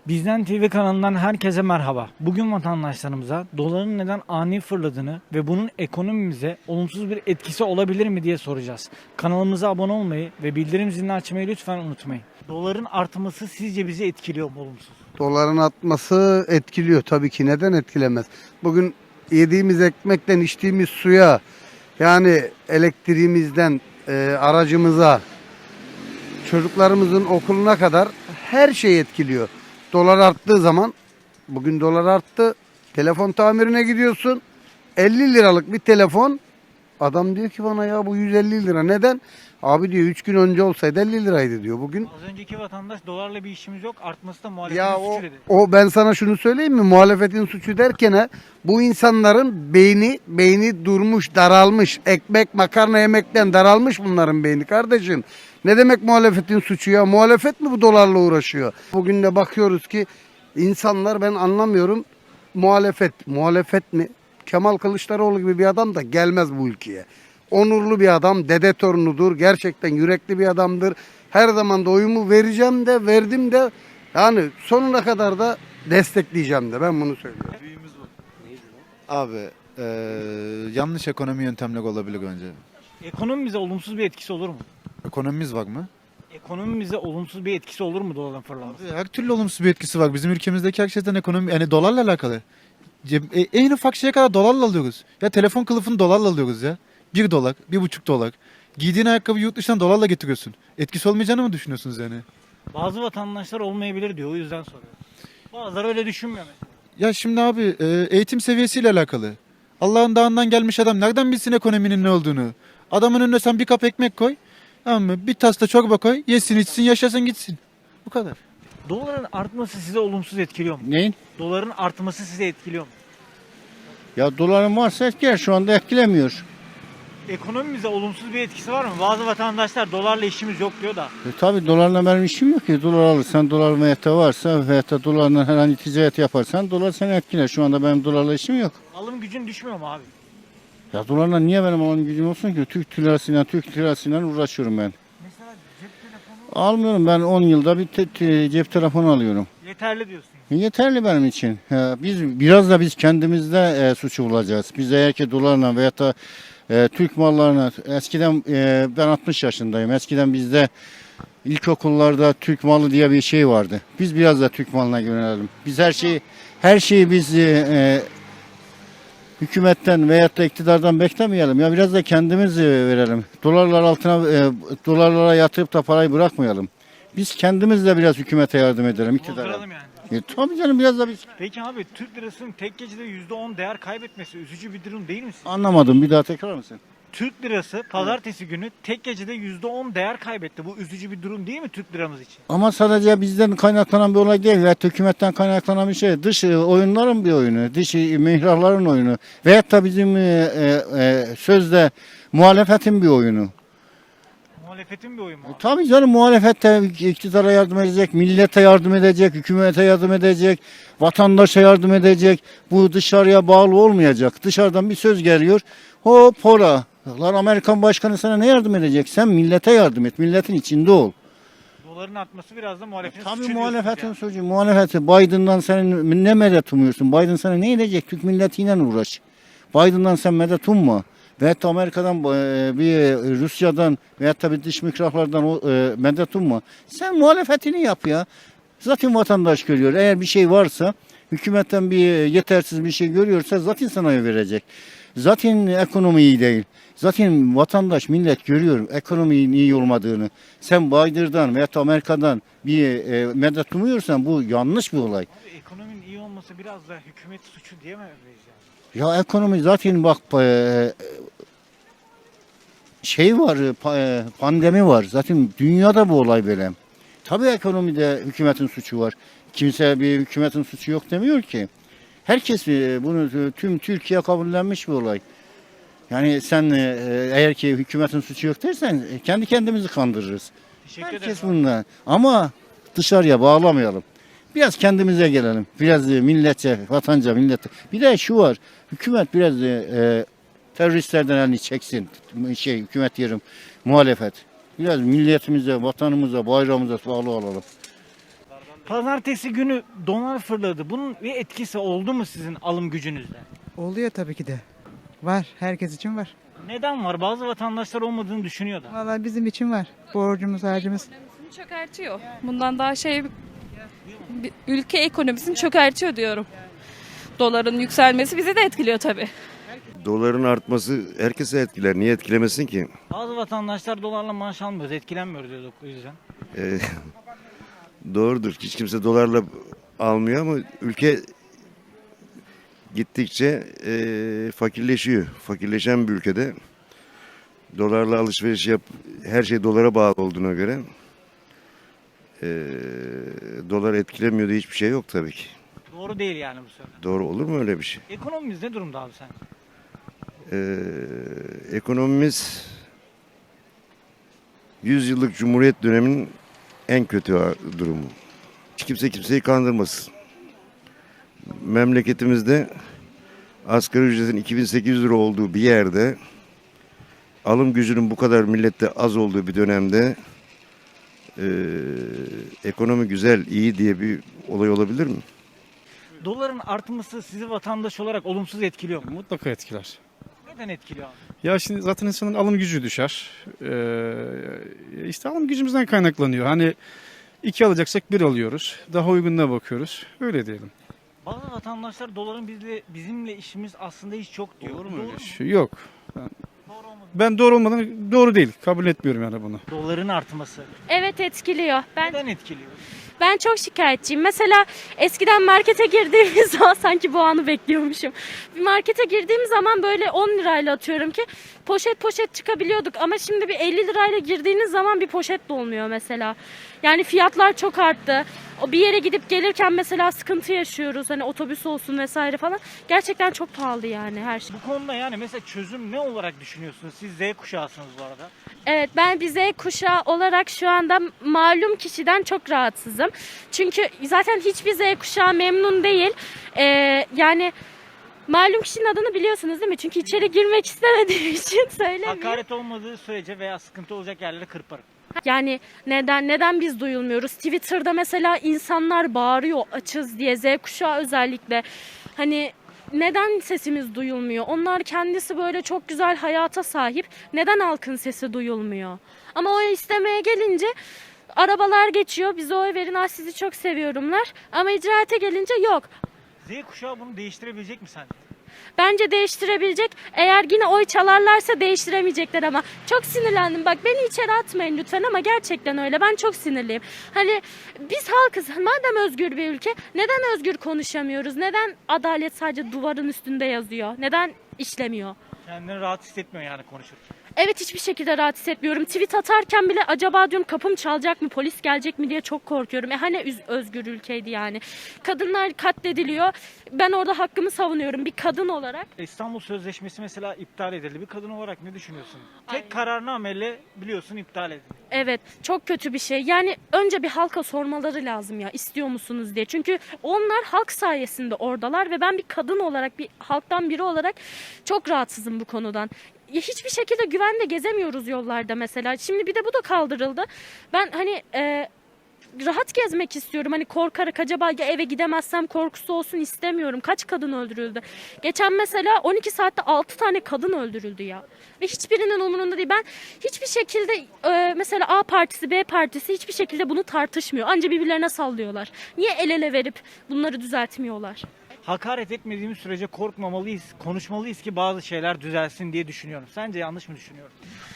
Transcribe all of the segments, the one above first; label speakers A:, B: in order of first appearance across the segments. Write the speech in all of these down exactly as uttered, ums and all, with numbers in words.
A: Bizden T V kanalından herkese merhaba. Bugün vatandaşlarımıza doların neden ani fırladığını ve bunun ekonomimize olumsuz bir etkisi olabilir mi diye soracağız. Kanalımıza abone olmayı ve bildirim zilini açmayı lütfen unutmayın. Doların artması sizce bizi etkiliyor mu olumsuz?
B: Doların artması etkiliyor tabii ki. Neden etkilemez? Bugün yediğimiz ekmekten içtiğimiz suya, yani elektriğimizden e, aracımıza, çocuklarımızın okuluna kadar her şey etkiliyor. Dolar arttığı zaman, bugün dolar arttı, telefon tamirine gidiyorsun, elli liralık bir telefon, adam diyor ki bana ya bu yüz elli lira. Neden? Abi diyor üç gün önce olsaydı elli liraydı diyor bugün.
A: Az önceki vatandaş dolarla bir işimiz yok, artması da muhalefetin
B: Ya o,
A: suçu dedi.
B: o ben sana şunu söyleyeyim mi? Muhalefetin suçu derken ha, bu insanların beyni beyni durmuş, daralmış. Ekmek, makarna yemekten daralmış bunların beyni kardeşim. Ne demek muhalefetin suçu ya? Muhalefet mi bu dolarla uğraşıyor? Bugün de bakıyoruz ki insanlar, ben anlamıyorum. Muhalefet, muhalefet mi? Kemal Kılıçdaroğlu gibi bir adam da gelmez bu ülkeye. Onurlu bir adam, dede torunudur. Gerçekten yürekli bir adamdır. Her zaman da oyumu vereceğim de, verdim de, yani sonuna kadar da destekleyeceğim de, ben bunu söylüyorum.
C: Abi eee, yanlış ekonomi yöntemleri olabilir önce.
A: Ekonomimize olumsuz bir etkisi olur mu?
C: Ekonomimiz var mı?
A: Ekonomimize olumsuz bir etkisi olur mu doların fırlaması?
C: Abi, her türlü olumsuz bir etkisi var. Bizim ülkemizdeki her şeyden ekonomi, yani dolarla alakalı. Ceb- e, en ufak şeye kadar dolarla alıyoruz. Ya telefon kılıfını dolarla alıyoruz ya. Bir dolar, bir buçuk dolar. Giydiğin ayakkabı yurt dışından dolarla getiriyorsun. Etkisi olmayacağını mı düşünüyorsunuz yani?
A: Bazı vatandaşlar olmayabilir diyor, o yüzden soruyorum. Bazıları öyle düşünmüyor mesela.
C: Ya şimdi abi e, eğitim seviyesiyle alakalı. Allah'ın dağından gelmiş adam nereden bilsin ekonominin ne olduğunu? Adamın önüne sen bir kap ekmek koy. Tamam mı? Bir tas da çorba koy. Yesin içsin yaşasın gitsin. Bu kadar.
A: Doların artması size olumsuz etkiliyor mu?
D: Neyin?
A: Doların artması sizi etkiliyor mu?
D: Ya doların varsa etkiler, şu anda etkilemiyor.
A: Ekonomimize olumsuz bir etkisi var mı? Bazı vatandaşlar dolarla işimiz yok diyor da.
D: E tabi dolarla benim işim yok ki. Dolar alırsan, dolar veyahut da varsa veyahut da dolarla herhangi ticaret yaparsan dolar seni etkiler. Şu anda benim dolarla işim yok.
A: Alım gücün düşmüyor mu abi?
D: Ya dolarla niye benim alım gücüm olsun ki? Türk lirasıyla, Türk lirasıyla uğraşıyorum ben.
A: Mesela cep telefonu
D: Almıyorum, ben on yılda bir te- te- cep telefonu alıyorum.
A: yeterli diyorsun.
D: E yeterli benim için. Ya biz biraz da biz kendimizde e, suçu bulacağız. Biz eğer ki dolarla veyahut da e, Türk mallarına, eskiden e, ben altmış yaşındayım. Eskiden bizde ilkokullarda Türk malı diye bir şey vardı. Biz biraz da Türk malına yönelelim. Biz her şeyi her şeyi biz e, e, hükümetten veyahut da iktidardan beklemeyelim. Ya biraz da kendimiz e, verelim. Dolarlar altına e, dolarlara yatırıp da parayı bırakmayalım. Biz kendimiz de biraz hükümete yardım edelim, iktidara.
A: Bozduralım yani.
D: E, tabii canım, biraz da biz.
A: Peki abi, Türk lirasının tek gecede yüzde on değer kaybetmesi üzücü bir durum değil mi sizce?
D: Anlamadım, bir daha tekrar mısın?
A: Türk lirası pazartesi günü tek gecede yüzde on değer kaybetti. Bu üzücü bir durum değil mi Türk liramız için?
D: Ama sadece bizden kaynaklanan bir olay değil. Veyahut da hükümetten kaynaklanan bir şey. Dış e, oyunların bir oyunu. Dış e, mihrakların oyunu. Veyahut da bizim e, e, e, sözde muhalefetin bir oyunu.
A: Muhalefetin bir oyun mu abi?
D: Tabii canım, muhalefet de iktidara yardım edecek, millete yardım edecek, hükümete yardım edecek, vatandaşa yardım edecek. Bu dışarıya bağlı olmayacak. Dışarıdan bir söz geliyor. Hop hora. Lan Amerikan başkanı sana ne yardım edecek? Sen millete yardım et. Milletin içinde ol.
A: Doların artması biraz da muhalefetin
D: Tabii
A: suçu
D: muhalefetin
A: diyorsunuz
D: suçu. Muhalefeti. Biden'dan sen ne medet umuyorsun? Biden sana ne edecek? Türk milletiyle uğraş. Biden'dan sen medet umma. Veyahut da Amerika'dan, e, bir Rusya'dan veyahut da bir dış mihraklardan o, e, medet umma. Sen muhalefetini yap ya. Zaten vatandaş görüyor. Eğer bir şey varsa, hükümetten bir yetersiz bir şey görüyorsa zaten sana oy verecek. Zaten ekonomi iyi değil. Zaten vatandaş, millet görüyor ekonominin iyi olmadığını. Sen Biden'dan veyahut da Amerika'dan bir e, medet umuyorsan bu yanlış bir olay.
A: ya. Abi ekonominin iyi olması biraz da hükümet suçu diyemeyiz yani.
D: Ya ekonomi zaten bak, e, şey var, pa- e, pandemi var. Zaten dünyada bu olay böyle. Tabii ekonomide hükümetin suçu var. Kimse bir hükümetin suçu yok demiyor ki. Herkes e, bunu, e, tüm Türkiye kabullenmiş bir olay. Yani sen e, eğer ki hükümetin suçu yok dersen e, kendi kendimizi kandırırız.
A: Teşekkür ederim.
D: Herkes bununla. Ama dışarıya bağlamayalım. Biraz kendimize gelelim. Biraz e, milletçe, vatanca, millete. Bir de şu var. Hükümet biraz e, e, teröristlerden elini çeksin. Şey, hükümet diyorum, muhalefet. Biraz milletimize, vatanımıza, bayrağımıza bağlı olalım.
A: Pazartesi günü dolar fırladı. Bunun bir etkisi oldu mu sizin alım gücünüzde?
E: Oluyor tabii ki de. Var. Herkes için var.
A: Neden var? Bazı vatandaşlar olmadığını düşünüyor da.
E: Vallahi bizim için var. Borcumuz, harcımız.
F: Ekonomisini çökertiyor. Bundan daha şey bir- ülke ekonomisini çökertiyor diyorum. Doların yükselmesi bizi de etkiliyor tabii.
G: Doların artması herkese etkiler. Niye etkilemesin ki?
A: Bazı vatandaşlar dolarla maaş almıyoruz, etkilenmiyoruz diyorduk o yüzden.
G: Ee, doğrudur. Hiç kimse dolarla almıyor ama ülke gittikçe e, fakirleşiyor. Fakirleşen bir ülkede dolarla alışveriş yap, her şey dolara bağlı olduğuna göre e, dolar etkilemiyor diye hiçbir şey yok tabii ki.
A: Doğru değil yani bu söylem.
G: Doğru olur mu öyle bir şey?
A: Ekonomimiz ne durumda abi sen?
G: Ee, ekonomimiz yüz yıllık Cumhuriyet döneminin en kötü durumu. Hiç kimse kimseyi kandırmasın. Memleketimizde asgari ücretin iki bin sekiz yüz lira olduğu bir yerde alım gücünün bu kadar millette az olduğu bir dönemde e, ekonomi güzel, iyi diye bir olay olabilir mi?
A: Doların artması sizi vatandaş olarak olumsuz etkiliyor mu?
H: Mutlaka etkiler.
A: Neden etkiliyor abi?
H: Ya şimdi zaten insanın alım gücü düşer. Ee, işte alım gücümüzden kaynaklanıyor. Hani iki alacaksak bir alıyoruz. Daha uygununa bakıyoruz. Öyle diyelim.
A: Bazı vatandaşlar doların bizle, bizimle işimiz aslında hiç yok diyor.
H: Doğru mu öyle
A: mu?
H: şey? Yok.
A: Doğru olmadı.
H: Ben doğru olmadığını doğru değil. Kabul etmiyorum yani bunu.
A: Doların artması.
I: Evet etkiliyor. Ben
A: Neden etkiliyor?
I: ben çok şikayetçiyim. Mesela eskiden markete girdiğimiz zaman sanki bu anı bekliyormuşum. Bir markete girdiğim zaman böyle on lirayla atıyorum ki poşet poşet çıkabiliyorduk ama şimdi bir elli lirayla girdiğiniz zaman bir poşet dolmuyor mesela. Yani fiyatlar çok arttı. O bir yere gidip gelirken mesela sıkıntı yaşıyoruz. Hani otobüs olsun vesaire falan. Gerçekten çok pahalı yani her şey.
A: Bu konuda yani mesela çözüm ne olarak düşünüyorsunuz? Siz Z kuşağısınız bu arada.
I: Evet, ben bir Z kuşağı olarak şu anda malum kişiden çok rahatsızım. Çünkü zaten hiçbir Z kuşağı memnun değil. Ee, yani malum kişinin adını biliyorsunuz değil mi? Çünkü içeri girmek istemediğim için söylemiyorum.
A: Hakaret olmadığı sürece veya sıkıntı olacak yerlere kırparım.
I: Yani neden neden biz duyulmuyoruz? Twitter'da mesela insanlar bağırıyor açız diye, Z kuşağı özellikle. Hani neden sesimiz duyulmuyor? Onlar kendisi böyle çok güzel hayata sahip. Neden halkın sesi duyulmuyor? Ama oy istemeye gelince arabalar geçiyor. Bize oy verin, ah sizi çok seviyorumlar. Ama icraate gelince yok.
A: Z kuşağı bunu değiştirebilecek mi sence?
I: Bence değiştirebilecek. Eğer yine oy çalarlarsa değiştiremeyecekler ama. Çok sinirlendim. Bak beni içeri atmayın lütfen ama gerçekten öyle. Ben çok sinirliyim. Hani biz halkız. Madem özgür bir ülke neden özgür konuşamıyoruz? Neden adalet sadece duvarın üstünde yazıyor? Neden işlemiyor?
A: Kendini rahat hissetmiyor yani konuşurken.
I: Evet, hiçbir şekilde rahat hissetmiyorum. Tweet atarken bile acaba diyorum kapım çalacak mı, polis gelecek mi diye çok korkuyorum. E hani üz- özgür ülkeydi yani. Kadınlar katlediliyor. Ben orada hakkımı savunuyorum bir kadın olarak.
A: İstanbul Sözleşmesi mesela iptal edildi. Bir kadın olarak ne düşünüyorsun?
I: Aynen.
A: Tek kararnameyle biliyorsun iptal edildi.
I: Evet, çok kötü bir şey. Yani önce bir halka sormaları lazım ya, istiyor musunuz diye. Çünkü onlar halk sayesinde oradalar ve ben bir kadın olarak, bir halktan biri olarak çok rahatsızım bu konudan. Ya hiçbir şekilde güvende gezemiyoruz yollarda mesela. Şimdi bir de bu da kaldırıldı. Ben hani e, rahat gezmek istiyorum. Hani korkarak acaba ya eve gidemezsem korkusu olsun istemiyorum. Kaç kadın öldürüldü? Geçen mesela on iki saatte altı tane kadın öldürüldü ya. Ve hiçbirinin umurunda değil. Ben hiçbir şekilde e, mesela A partisi, B partisi hiçbir şekilde bunu tartışmıyor. Anca birbirlerine sallıyorlar. Niye el ele verip bunları düzeltmiyorlar?
A: Hakaret etmediğimiz sürece korkmamalıyız, konuşmalıyız ki bazı şeyler düzelsin diye düşünüyorum. Sence yanlış mı düşünüyorum?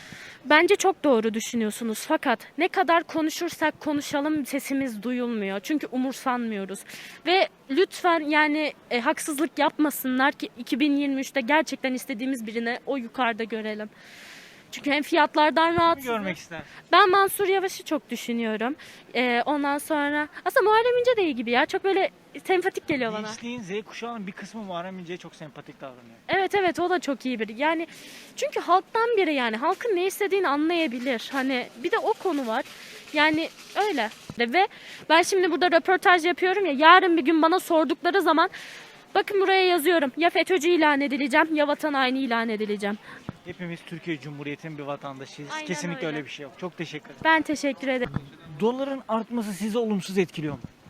I: Bence çok doğru düşünüyorsunuz fakat ne kadar konuşursak konuşalım sesimiz duyulmuyor. Çünkü umursanmıyoruz. Ve lütfen yani e, haksızlık yapmasınlar ki iki bin yirmi üçte gerçekten istediğimiz birine o yukarıda görelim. Çünkü hem fiyatlardan
A: Kimi
I: rahatsızız.
A: görmek ister?
I: Ben Mansur Yavaş'ı çok düşünüyorum. Ee, ondan sonra aslında Muharrem İnce de iyi gibi ya. Çok böyle sempatik geliyor bana.
A: Gençliğin Z kuşağının bir kısmı Muharrem İnce'ye çok sempatik davranıyor.
I: Evet evet, o da çok iyi biri. Yani çünkü halktan biri, yani halkın ne istediğini anlayabilir. Hani bir de o konu var. Yani öyle. Ve ben şimdi burada röportaj yapıyorum ya, yarın bir gün bana sordukları zaman bakın buraya yazıyorum. Ya FETÖ'cü ilan edileceğim ya vatan haini ilan edileceğim.
A: Hepimiz Türkiye Cumhuriyeti'nin bir vatandaşıyız.
I: Aynen
A: Kesinlikle
I: öyle.
A: öyle bir şey yok. Çok teşekkür ederim.
I: Ben teşekkür ederim.
A: Doların artması sizi olumsuz etkiliyor mu?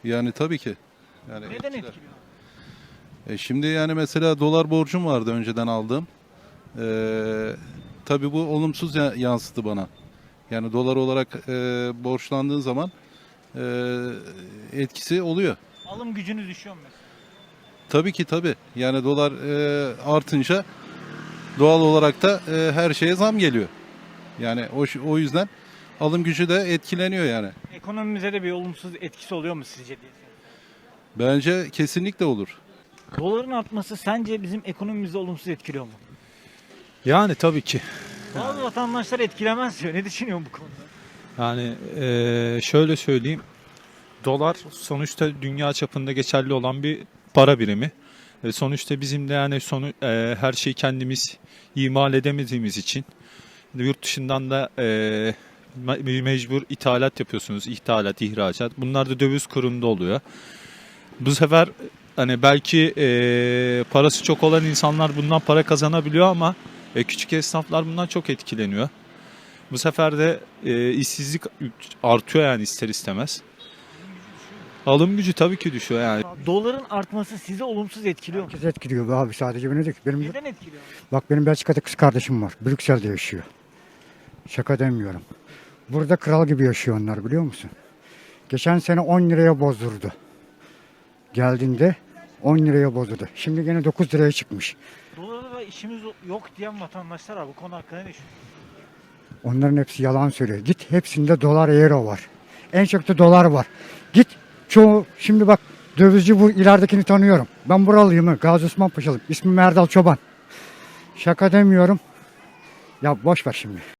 J: Yani tabii ki. Yani
A: Neden
J: etkiler.
A: etkiliyor?
J: E şimdi yani mesela dolar borcum vardı önceden aldığım. Ee, tabii bu olumsuz ya- yansıdı bana. Yani dolar olarak e, borçlandığın zaman e, etkisi oluyor.
A: Alım gücünüz düşüyor mu mesela?
J: Tabii ki tabii. Yani dolar e, artınca doğal olarak da e, her şeye zam geliyor. Yani o, o yüzden alım gücü de etkileniyor yani.
A: Ekonomimize de bir olumsuz etkisi oluyor mu sizce diye soruyorum.
J: Bence kesinlikle olur.
A: Doların artması sence bizim ekonomimizi olumsuz etkiliyor mu?
K: Yani tabii ki.
A: Bazı vatandaşlar etkilemez diyor. Ne düşünüyorsun bu konuda?
K: Yani eee, şöyle söyleyeyim. Dolar sonuçta dünya çapında geçerli olan bir para birimi. E, sonuçta bizim de yani sonu eee, her şeyi kendimiz imal edemediğimiz için yurt dışından da eee, me- mecbur ithalat yapıyorsunuz. İthalat, ihracat. Bunlar da döviz kurunda oluyor. Bu sefer hani belki eee, parası çok olan insanlar bundan para kazanabiliyor ama e, küçük esnaflar bundan çok etkileniyor. Bu sefer de e, işsizlik artıyor yani ister istemez. Alım gücü tabii ki düşüyor yani.
A: Doların artması sizi olumsuz etkiliyor mu?
L: Herkes etkiliyor be abi, sadece beni değil. Benim,
A: Neden etkiliyor?
L: bak benim Belçika'da kız kardeşim var. Brüksel'de yaşıyor. Şaka demiyorum. Burada kral gibi yaşıyor onlar, biliyor musun? Geçen sene on liraya bozdurdu. Geldiğinde on liraya bozdurdu. Şimdi gene dokuz liraya çıkmış.
A: Dolara da işimiz yok diyen vatandaşlar var. Bu konu hakkında ne düşünüyorsun?
L: Onların hepsi yalan söylüyor. Git, hepsinde dolar, euro var. En çok da dolar var. Git çoğu, şimdi bak dövizci bu ileridekini tanıyorum. Ben buralıyım. Gazi Osman Paşalıyım. İsmim Erdal Çoban. Şaka demiyorum. Ya boş ver şimdi.